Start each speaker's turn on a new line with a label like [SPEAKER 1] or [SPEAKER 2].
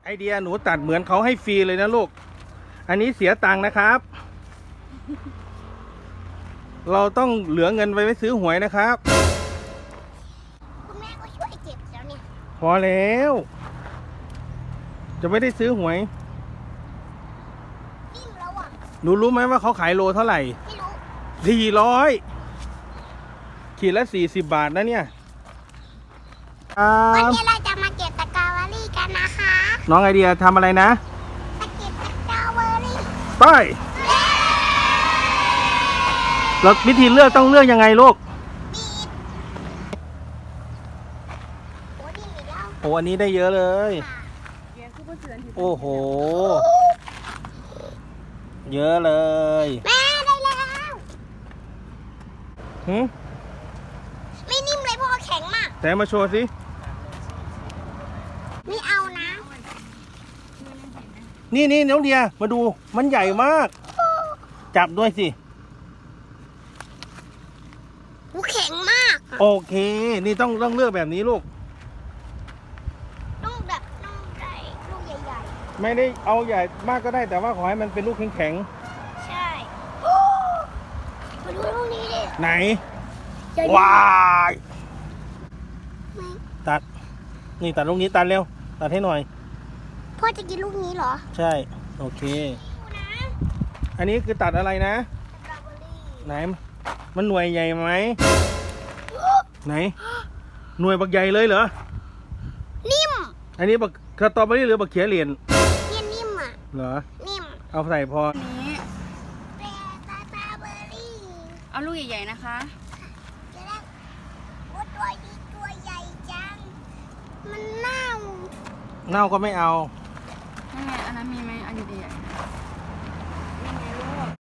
[SPEAKER 1] ไอเดียหนูตัดเหมือนเขาให้ฟรีเลยนะลูก อันนี้เสียตังค์นะครับ เราต้องเหลือเงินไว้ซื้อหวยนะครับ
[SPEAKER 2] คุณแม่ก็ช่วยเก็บแล้วเนี่ย
[SPEAKER 1] พอแล้ว จะไม่ได้ซื้อหวย
[SPEAKER 2] นิ่มแล้วอ่ะ
[SPEAKER 1] หนูรู้ไหมว่าเขาขายโลเท่าไหร่
[SPEAKER 2] ไม่รู้
[SPEAKER 1] 400 ขีดละ40 บาทนะเนี่ย
[SPEAKER 2] วันนี้เราจะมาเก็บตะกร้าเบอร์รี่กันนะคะ
[SPEAKER 1] น้องไอเดียทำอะไรนะ
[SPEAKER 2] มาเก็บตะกร้าเบอร์รี่
[SPEAKER 1] ไปแล้ววิธีเลือกต้องเลือกยังไงลูก
[SPEAKER 2] บีบโอ้ดีแล้ว
[SPEAKER 1] โอ้อันนี้ได้เยอะเลย โอ้โห เยอะเลย
[SPEAKER 2] แม่ได้แล้ว
[SPEAKER 1] หืม
[SPEAKER 2] ไม่นิ่มเลยเพราะว่าแข็งมาก
[SPEAKER 1] แต่มาโชว์สิ
[SPEAKER 2] ไม่เอานะ
[SPEAKER 1] นี่น้องเดียมาดู มันใหญ่มาก จับด้วยสิ
[SPEAKER 2] หูแข็งมากอะ
[SPEAKER 1] โอเค นี่ต้องเลือกแบบนี้ลูก
[SPEAKER 2] ต้องแบบต้องได้ลูกใหญ่
[SPEAKER 1] ไม่ได้เอาใหญ่มากก็ได้ แต่ว่าขอให้มันเป็นลูกแข็ง
[SPEAKER 2] ๆ ใช่โอ้มาดูลูกนี้ดิ
[SPEAKER 1] ๆไหน
[SPEAKER 2] ใหญ่
[SPEAKER 1] ว้าย
[SPEAKER 2] ไหม
[SPEAKER 1] ตัด นี่ตัดลูกนี้ตัดเร็ว ตัดให้หน่อย
[SPEAKER 2] พ่อจะกินลูกนี้เหรอ
[SPEAKER 1] ใช่ โอเค
[SPEAKER 2] ดูนะ
[SPEAKER 1] อันนี้คือตัดอะไรนะ
[SPEAKER 2] สตรอเบอร์รี่
[SPEAKER 1] ไหน มันหน่วยใหญ่ไหม ไหน หน่วยบักใหญ่เลยเหรอ
[SPEAKER 2] นิ่ม
[SPEAKER 1] อันนี้บักสตรอเบอรี่หรือบักเขียเหรียญ
[SPEAKER 2] เนี่ยนิ่มอ่ะ
[SPEAKER 1] เหรอ
[SPEAKER 2] นิ่ม
[SPEAKER 1] เอาใส่พอ
[SPEAKER 3] นี้
[SPEAKER 2] แต่สตรอเบอร์รี่
[SPEAKER 3] เอาลูกใหญ่ๆนะคะ
[SPEAKER 2] จะได้โอ้ตัวนี้ตัวใหญ่จัง มันเน่า
[SPEAKER 1] เน่าก็ไม่เอา
[SPEAKER 3] นั่นไงอันนั้นมีไหมอัน